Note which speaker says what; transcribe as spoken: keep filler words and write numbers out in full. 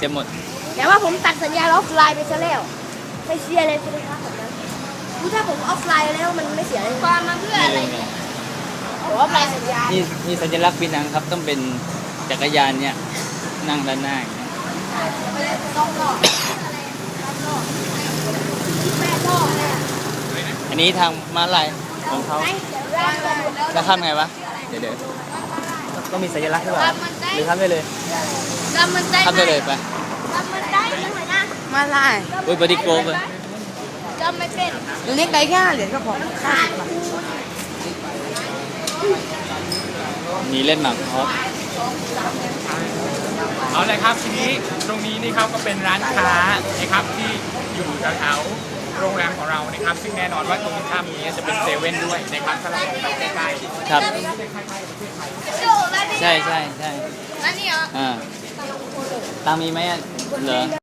Speaker 1: เต็มหมด
Speaker 2: แต่ว่าผมตัดสัญญาณออฟไลน์ไปซะแล้วไม่เสียเลยใช่ไหมครับแบบนั้นคือถ้าผมออฟไลน์แล้วมันไม่เสียเลยความมาเพื่ออะไรผมออฟไลน์สัญญาณ
Speaker 1: นี่นี่สัญลักษณ์ปีนังครับต้องเป็นจักรยานเนี่ยนั่งด้านหน้าอย่างเงี้ย
Speaker 2: ต้องรอแม่รอเลย
Speaker 1: อันนี้ทางม้าลายของเขาจะข้ามไงวะเดี๋ยวเดี๋ยวต้องมีสัญลักษณ์ใช่ป่ะหรือข้ามได้เลยข้ามได้เลยไป
Speaker 2: มันได้ยังไงนะ
Speaker 3: มาไล่
Speaker 1: อุ้ยบอดี้โกลฟเลย
Speaker 2: จำไม่เป็น
Speaker 3: เรียกได้แค่เหรียญก็พอ
Speaker 1: มีเล่นหมากฮอป
Speaker 4: เอาเลยครับทีนี้ตรงนี้นี่ครับก็เป็นร้านค้านะครับที่อยู่แถวๆโรงแรมของเรานะครับซึ่งแน่นอนว่าตรงข้ามนี้จะเป็นเซเว่นด้วยนะครับถ้าเราไปใกล้ๆ
Speaker 1: ครับใช่ใช่ใช่
Speaker 2: แล้วนี่เหรอ
Speaker 1: อ่าตังมีไหมอ่ะเหรอ